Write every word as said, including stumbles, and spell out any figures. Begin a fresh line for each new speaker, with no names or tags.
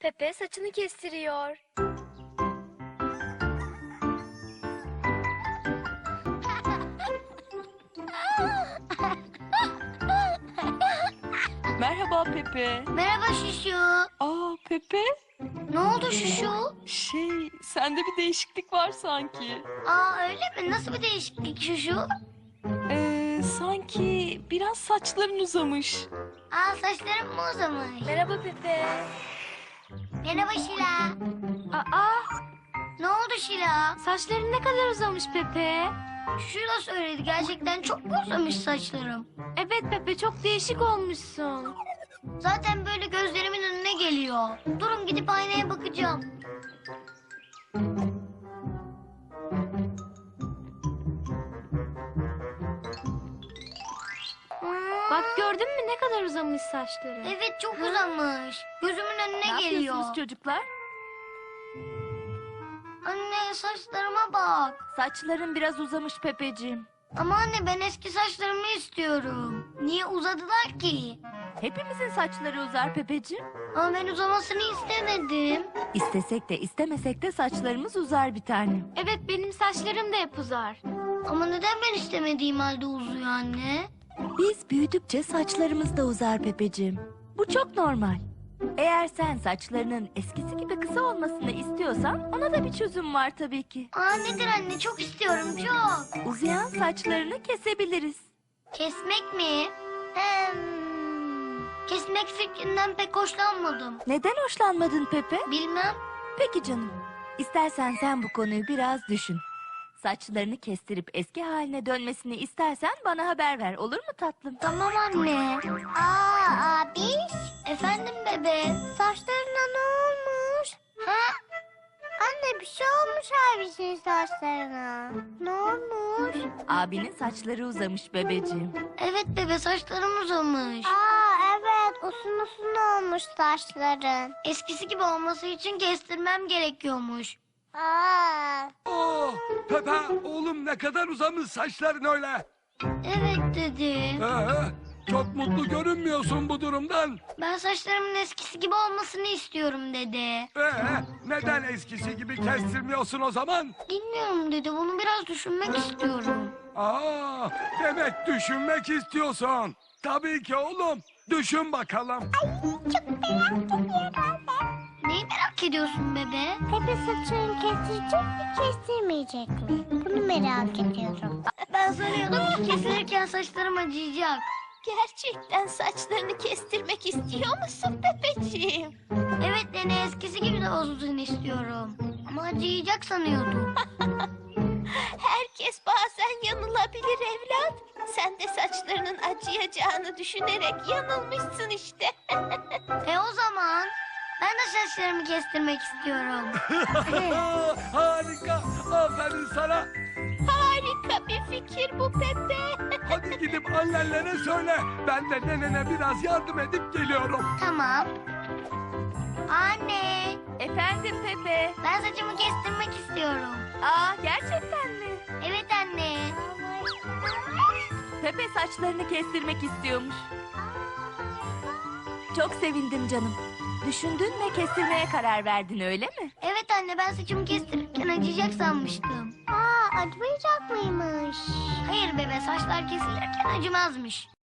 Pepe saçını kestiriyor.
Merhaba Pepe.
Merhaba Şuşu.
Aa Pepe.
Ne oldu Şuşu?
Şey, sende bir değişiklik var sanki.
Aa öyle mi? Nasıl bir değişiklik Şuşu?
Ee, sanki biraz saçların uzamış.
Aa saçlarım mı uzamış?
Merhaba Pepe.
Merhaba Şila.
Aa,
Ne oldu Şila?
saçların ne kadar uzamış Pepe.
Şila söyledi. Gerçekten çok mu uzamış saçlarım?
Evet Pepe, çok değişik olmuşsun.
Zaten böyle gözlerimin önüne geliyor. Durun gidip aynaya bakacağım. Hmm,
Bak, gördün mü ne kadar uzamış saçları?
Evet çok uzamış. Gözümün önüne
Ne
geliyor.
yapıyorsunuz çocuklar?
Anne saçlarıma bak.
Saçların biraz uzamış Pepeciğim.
Ama anne ben eski saçlarımı istiyorum. Niye uzadılar ki?
Hepimizin saçları uzar Pepeciğim.
Ama ben uzamasını istemedim.
İstesek de istemesek de saçlarımız uzar bir tane.
Evet, benim saçlarım da hep uzar.
Ama neden ben istemediğim halde uzuyor anne?
Biz büyüdükçe saçlarımız da uzar Pepeciğim. Bu çok normal. Eğer sen saçlarının eskisi gibi kısa olmasını istiyorsan ona da bir çözüm var tabii ki.
Aa nedir anne? Çok istiyorum çok.
Uzayan saçlarını kesebiliriz.
Kesmek mi? Hem... Kesmek fikrinden pek hoşlanmadım.
Neden hoşlanmadın Pepe?
Bilmem.
Peki canım. İstersen sen bu konuyu biraz düşün. Saçlarını kestirip eski haline dönmesini istersen bana haber ver. Olur mu tatlım?
Tamam anne. Aa abi. Efendim bebe. Saçlarına ne olmuş? Ha? Anne bir şey olmuş abisinin saçlarına. Ne olmuş?
Abinin saçları uzamış bebeciğim.
Evet bebe saçlarım uzamış.
Aa evet uzun uzun olmuş saçların.
Eskisi gibi olması için kestirmem gerekiyormuş.
Aa.
Oo, Pepe oğlum ne kadar uzamış saçların öyle.
Evet dedi.
Ee, çok mutlu görünmüyorsun bu durumdan.
Ben saçlarımın eskisi gibi olmasını istiyorum dedi.
Ee, neden eskisi gibi kestirmiyorsun o zaman?
Bilmiyorum dedi. Bunu biraz düşünmek istiyorum.
Aa, demek düşünmek istiyorsun. Tabii ki oğlum. Düşün bakalım.
Neyi merak ediyorsun bebe?
Pepe saçını kestirecek mi kestirmeyecek mi? Bunu merak ediyorum.
Ben sanıyordum ki kesilirken saçlarım acıyacak.
Gerçekten saçlarını kestirmek istiyor musun Pepeciğim?
Evet nene eskisi gibi de olsun istiyorum. Ama acıyacak sanıyordum.
Herkes bazen yanılabilir evlat. Sen de saçlarının acıyacağını düşünerek yanılmışsın işte.
E o zaman ben de saçlarımı kestirmek istiyorum.
Harika. Aferin sana.
Harika bir fikir bu Pepe.
Hadi gidip annenlere söyle. Ben de nenene biraz yardım edip geliyorum.
Tamam. Anne
Efendim Pepe.
ben saçımı kestirmek istiyorum.
Aa gerçekten mi?
Evet anne.
Pepe saçlarını kestirmek istiyormuş. Çok sevindim canım. Düşündün ve kestirmeye karar verdin öyle mi?
Evet anne ben saçımı kestirirken acıyacak sanmıştım.
Aa acımayacak mıymış?
Hayır bebe saçlar kesilirken acımazmış.